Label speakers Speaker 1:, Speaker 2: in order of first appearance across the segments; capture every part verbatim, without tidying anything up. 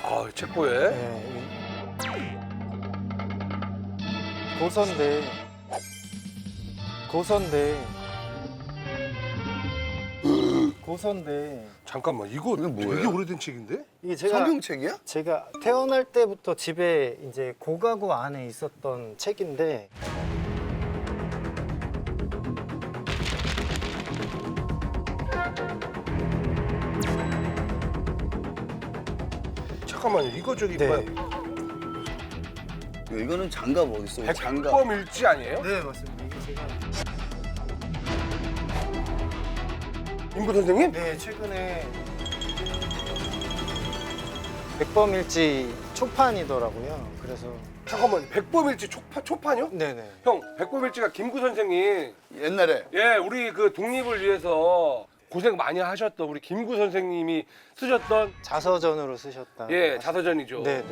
Speaker 1: 아, 책보에.
Speaker 2: 네. 고서인데 고서인데 고서인데
Speaker 1: 잠깐만, 이거
Speaker 3: 이게 뭐예요?
Speaker 1: 되게 오래된 책인데?
Speaker 2: 이게 제가
Speaker 3: 성경책이야?
Speaker 2: 제가 태어날 때부터 집에 이제 고가구 안에 있었던 책인데
Speaker 1: 잠깐만요, 이거 저기
Speaker 2: 네.
Speaker 1: 뭐야?
Speaker 3: 이거는 장갑 어디 있어? 장갑.
Speaker 1: 백범일지 아니에요?
Speaker 2: 네 맞습니다. 이게 제가
Speaker 1: 임구 선생님?
Speaker 2: 네 최근에 백범일지 초판이더라고요. 그래서
Speaker 1: 잠깐만요, 백범일지 초파, 초판이요?
Speaker 2: 네네.
Speaker 1: 형, 백범일지가 김구 선생님,
Speaker 3: 옛날에
Speaker 1: 예, 우리 그 독립을 위해서 고생 많이 하셨던 우리 김구 선생님이 쓰셨던
Speaker 2: 자서전으로 쓰셨다.
Speaker 1: 예, 자서전이죠.
Speaker 2: 네네.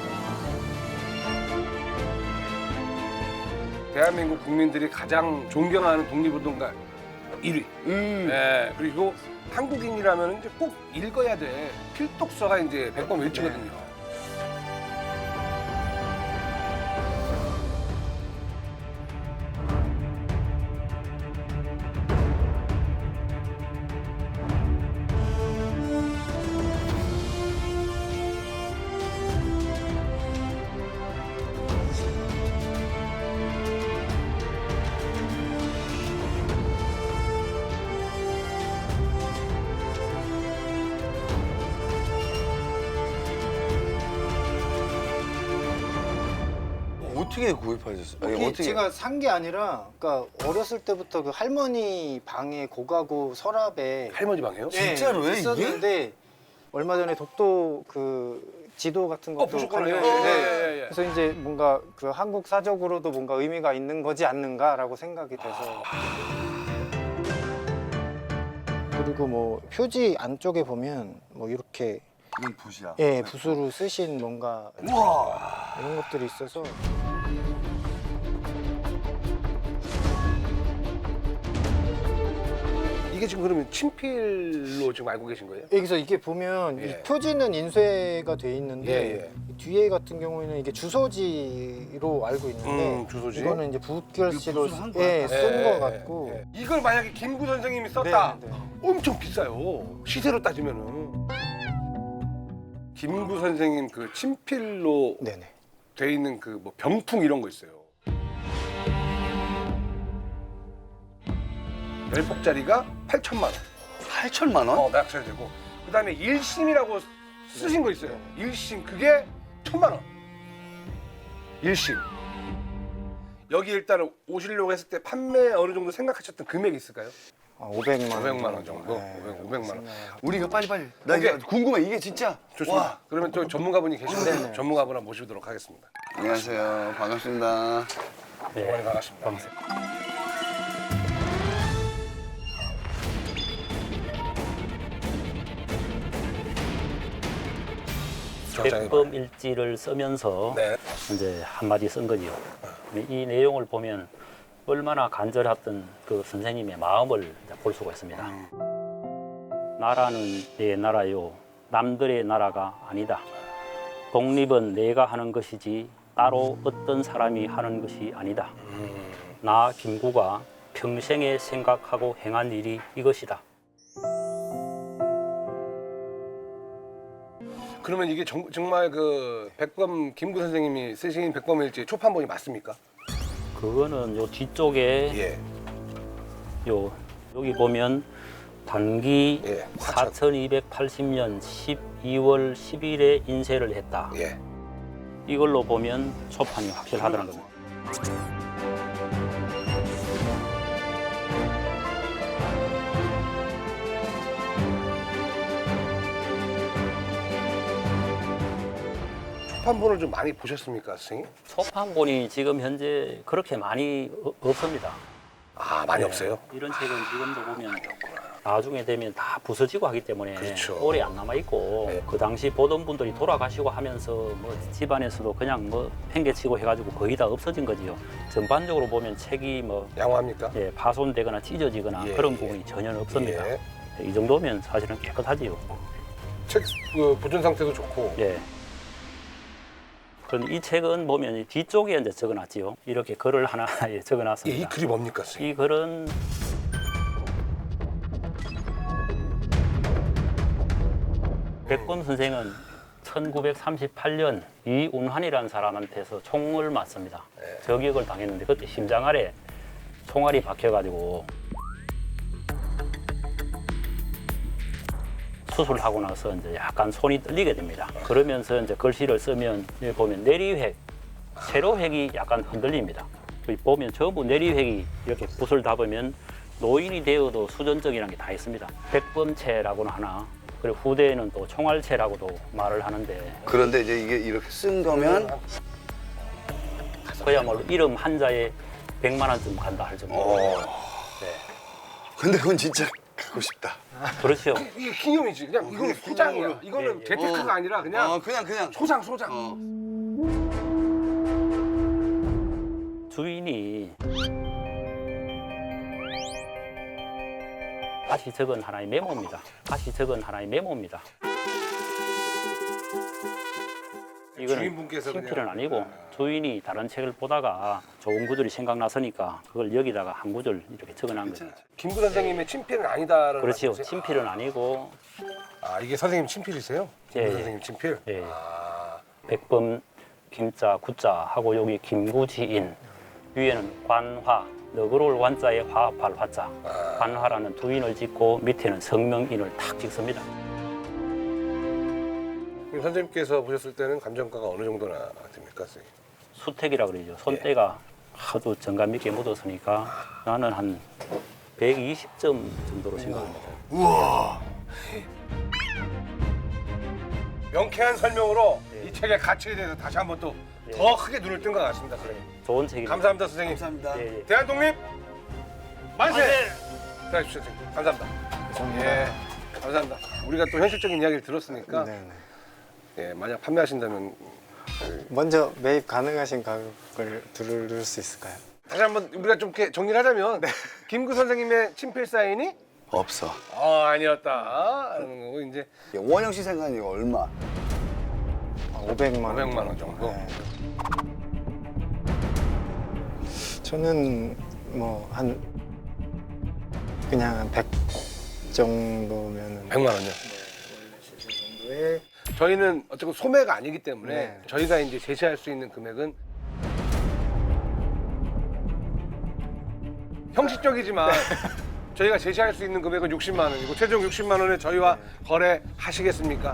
Speaker 1: 대한민국 국민들이 가장 존경하는 독립운동가 일 위.
Speaker 3: 음.
Speaker 1: 예, 그리고 한국인이라면 이제 꼭 읽어야 돼 필독서가 이제 백범일지거든요.
Speaker 3: 어떻게 구입하셨어요? 아니,
Speaker 2: 이게
Speaker 3: 어떻게?
Speaker 2: 제가 산 게 아니라, 그러니까 어렸을 때부터 그 할머니 방에 고가구 서랍에
Speaker 1: 할머니 방에요?
Speaker 2: 네,
Speaker 3: 진짜로요, 이게?
Speaker 2: 있었는데 얼마 전에 독도 그 지도 같은
Speaker 1: 어,
Speaker 2: 것도
Speaker 1: 보셨구나. 예,
Speaker 2: 가려-
Speaker 1: 예,
Speaker 2: 네.
Speaker 1: 예, 예.
Speaker 2: 그래서 이제 뭔가 그 한국 사적으로도 뭔가 의미가 있는 거지 않는가라고 생각이 돼서. 그리고 뭐 표지 안쪽에 보면 뭐 이렇게
Speaker 3: 이건 붓이야.
Speaker 2: 예 붓으로 쓰신 뭔가
Speaker 3: 우와.
Speaker 2: 이런 것들이 있어서.
Speaker 1: 이게 지금 그러면 친필로 지금 알고 계신 거예요?
Speaker 2: 여기서 이게 보면
Speaker 1: 예.
Speaker 2: 이 표지는 인쇄가 돼 있는데
Speaker 1: 예,
Speaker 2: 뒤에 같은 경우에는 이게 주소지로 알고 있는데
Speaker 1: 음, 주소지.
Speaker 2: 이거는 이제 붓글씨로
Speaker 3: 이거 붓으로 한 거야?
Speaker 2: 예, 쓴
Speaker 1: 예,
Speaker 2: 거
Speaker 1: 예,
Speaker 2: 같고
Speaker 1: 예. 이걸 만약에 김구 선생님이 썼다.
Speaker 2: 네, 네.
Speaker 1: 엄청 비싸요. 시세로 따지면은. 김구 선생님 그 친필로
Speaker 2: 네네.
Speaker 1: 돼 있는 그 뭐 병풍 이런 거 있어요. 열 폭짜리가 팔천만 원.
Speaker 3: 팔천만 원?
Speaker 1: 어, 낙찰 되고. 그다음에 일심이라고 쓰신 거 있어요. 일심 그게 천만 원. 일심. 여기 일단은 오시려고 했을 때 판매 어느 정도 생각하셨던 금액이 있을까요?
Speaker 2: 아, 오백만 원.
Speaker 1: 오백만 원 정도?
Speaker 2: 네,
Speaker 1: 오백, 오백만 원.
Speaker 2: 생각을
Speaker 3: 우리가 빨리빨리. 나
Speaker 1: 오케이.
Speaker 3: 이게 궁금해. 이게 진짜.
Speaker 1: 좋습니다.
Speaker 3: 와.
Speaker 1: 그러면 또 전문가분이 계신데
Speaker 2: 네네.
Speaker 1: 전문가분 한번 모시도록 하겠습니다.
Speaker 3: 안녕하세요. 반갑습니다.
Speaker 1: 네, 반갑습니다.
Speaker 4: 백범 일지를 쓰면서
Speaker 1: 네.
Speaker 4: 이제 한마디 쓴 거지요. 이 내용을 보면 얼마나 간절했던 그 선생님의 마음을 이제 볼 수가 있습니다. 나라는 내 나라요, 남들의 나라가 아니다. 독립은 내가 하는 것이지 따로 어떤 사람이 하는 것이 아니다. 나 김구가 평생에 생각하고 행한 일이 이것이다.
Speaker 1: 그러면 이게 정, 정말 그 백범 김구 선생님이 쓰신 백범일지 초판본이 맞습니까?
Speaker 4: 그거는 요 뒤쪽에
Speaker 1: 예.
Speaker 4: 요 여기 보면 단기
Speaker 1: 예.
Speaker 4: 사천이백팔십 년 십이월 십일에 인쇄를 했다.
Speaker 1: 예.
Speaker 4: 이걸로 보면 초판이 확실하다는 겁니다.
Speaker 1: 초판본을 좀 많이 보셨습니까, 선생님?
Speaker 4: 초판본이 지금 현재 그렇게 많이 어- 없습니다.
Speaker 1: 아, 많이
Speaker 4: 네.
Speaker 1: 없어요?
Speaker 4: 이런 책은 지금도 보면 나중에 되면 다 부서지고 하기 때문에
Speaker 1: 그렇죠.
Speaker 4: 오래 안 남아 있고
Speaker 1: 네.
Speaker 4: 그 당시 보던 분들이 돌아가시고 하면서 뭐 집안에서도 그냥 뭐 팽개치고 해가지고 거의 다 없어진 거지요. 전반적으로 보면 책이 뭐
Speaker 1: 양호합니까?
Speaker 4: 예, 파손되거나 찢어지거나
Speaker 1: 예,
Speaker 4: 그런
Speaker 1: 예.
Speaker 4: 부분이 전혀 없습니다.
Speaker 1: 예.
Speaker 4: 이 정도면 사실은 깨끗하지요.
Speaker 1: 책 그, 보존 상태도 좋고.
Speaker 4: 예. 그런데 이 책은 보면 이 뒤쪽에 이제 적어놨지요. 이렇게 글을 하나 예,
Speaker 1: 예, 이
Speaker 4: 적어놨습니다.
Speaker 1: 글이 뭡니까, 선생님?
Speaker 4: 이 글은 백범 선생은 천구백삼십팔 년 이운환이라는 사람한테서 총을 맞습니다. 저격을 당했는데 그때 심장 아래 총알이 박혀가지고 수술하고 나서 이제 약간 손이 떨리게 됩니다. 그러면서 이제 글씨를 쓰면 여기 보면 내리획, 세로획이 약간 흔들립니다. 여기 보면 전부 내리획이 이렇게 붓을 담으면 노인이 되어도 수전증이라는 게 다 있습니다. 백범체라고는 하나, 그리고 후대에는 또 총알체라고도 말을 하는데
Speaker 3: 그런데 이제 이게 이렇게 쓴 거면
Speaker 4: 그야말로 이름 한자에 백만 원쯤 간다 할 정도로.
Speaker 3: 어.
Speaker 4: 네.
Speaker 3: 근데 그건 진짜 갖고 싶다.
Speaker 4: 그렇죠.
Speaker 1: 이게 기념이지. 그냥 이거는 소장이야. 이거는
Speaker 4: 예, 예.
Speaker 1: 재테크가
Speaker 3: 어.
Speaker 1: 아니라 그냥
Speaker 3: 어, 그냥 그냥
Speaker 1: 소장, 소장.
Speaker 3: 어.
Speaker 4: 주인이 다시 적은 하나의 메모입니다. 다시 적은 하나의 메모입니다. 이거는
Speaker 1: 주인분께서
Speaker 4: 친필은
Speaker 1: 그냥-
Speaker 4: 아니고 주인이 다른 책을 보다가 좋은 구절이 생각나서니까 그걸 여기다가 한 구절 이렇게 적어놓은 거죠.
Speaker 1: 김구 선생님의 친필은 아니다라는
Speaker 4: 그렇지요.
Speaker 1: 말씀이세요?
Speaker 4: 친필은 아니고
Speaker 1: 아, 이게 선생님 친필이세요?
Speaker 4: 예,
Speaker 1: 김구
Speaker 4: 예.
Speaker 1: 선생님 친필?
Speaker 4: 예.
Speaker 1: 아,
Speaker 4: 백범 김자 구자 하고 여기 김구지인 위에는 관화 너그러울 관자에 화합할 화자 관화라는 두 인을 짓고 밑에는 성명인을 탁 찍습니다.
Speaker 1: 그럼 선생님께서 보셨을 때는 감정가가 어느 정도나 됩니까, 선생님?
Speaker 4: 수택이라 그러죠. 손때가 하도 정감 있게 묻었으니까 나는 한 백이십 점 정도로 생각합니다.
Speaker 1: 우와. 명쾌한 설명으로 이 책의 가치에 대해서 다시 한번 또 더 크게 눈을 뜬 것 같습니다, 선생님.
Speaker 4: 좋은 책입니다.
Speaker 1: 감사합니다, 선생님.
Speaker 3: 감사합니다.
Speaker 4: 예, 예.
Speaker 1: 대한독립 만세!
Speaker 4: 만세!
Speaker 1: 들어가십시오, 선생님. 감사합니다.
Speaker 2: 감사합니다.
Speaker 1: 예, 감사합니다. 우리가 또 현실적인 이야기를 들었으니까
Speaker 2: 네네.
Speaker 1: 예, 만약 판매하신다면
Speaker 2: 먼저 매입 가능하신 가격을 들을 수 있을까요?
Speaker 1: 다시 한번 우리가 좀 이렇게 정리를 하자면 김구 선생님의 친필 사인이
Speaker 3: 없어.
Speaker 1: 어, 아니었다 하는 거고 이제
Speaker 3: 원영 씨 생각은 이거 얼마?
Speaker 2: 오백만 원.
Speaker 1: 오백만 원 정도.
Speaker 2: 네. 저는 뭐 한 그냥 한 백 정도면은
Speaker 1: 백만 원요.
Speaker 2: 정도에
Speaker 1: 저희는 어쨌든 소매가 아니기 때문에
Speaker 2: 네.
Speaker 1: 저희가 이제 제시할 수 있는 금액은 형식적이지만 저희가 제시할 수 있는 금액은 육십만 원이고 최종 육십만 원에 저희와 거래하시겠습니까?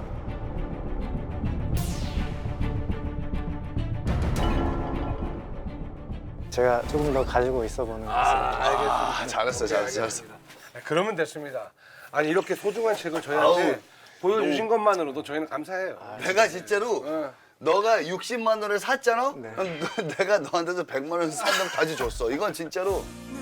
Speaker 2: 제가 조금 더 가지고 있어 보는 것을
Speaker 3: 아, 잘했어, 잘했어, 잘했어.
Speaker 1: 네, 그러면 됐습니다. 아니 이렇게 소중한 책을 저희한테
Speaker 3: 아우,
Speaker 1: 보여주신 것만으로도 저희는 감사해요.
Speaker 3: 내가 진짜로
Speaker 1: 어.
Speaker 3: 너가 육십만 원을 샀잖아?
Speaker 2: 네.
Speaker 3: 그럼 너- 내가 너한테서 백만 원 산다고 다시 줬어. 이건 진짜로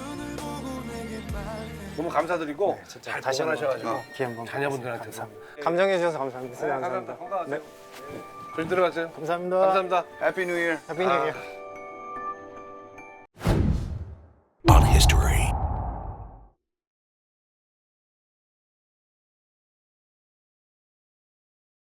Speaker 1: 너무 감사드리고
Speaker 2: 네, 진짜
Speaker 1: 잘
Speaker 2: 다시 한번
Speaker 1: 보관하셔가지고
Speaker 2: 기회 한번
Speaker 1: 자녀분들한테
Speaker 2: 감사합니다. 감정해 주셔서 감사합니다.
Speaker 1: 네, 감사합니다.
Speaker 2: 감사합니다.
Speaker 1: 건강하세요.
Speaker 2: 네.
Speaker 1: 조심 들어가세요.
Speaker 2: 감사합니다.
Speaker 1: 감사합니다.
Speaker 3: 해피 뉴 이어.
Speaker 2: 해피 뉴 이어.
Speaker 1: 아.
Speaker 5: on history.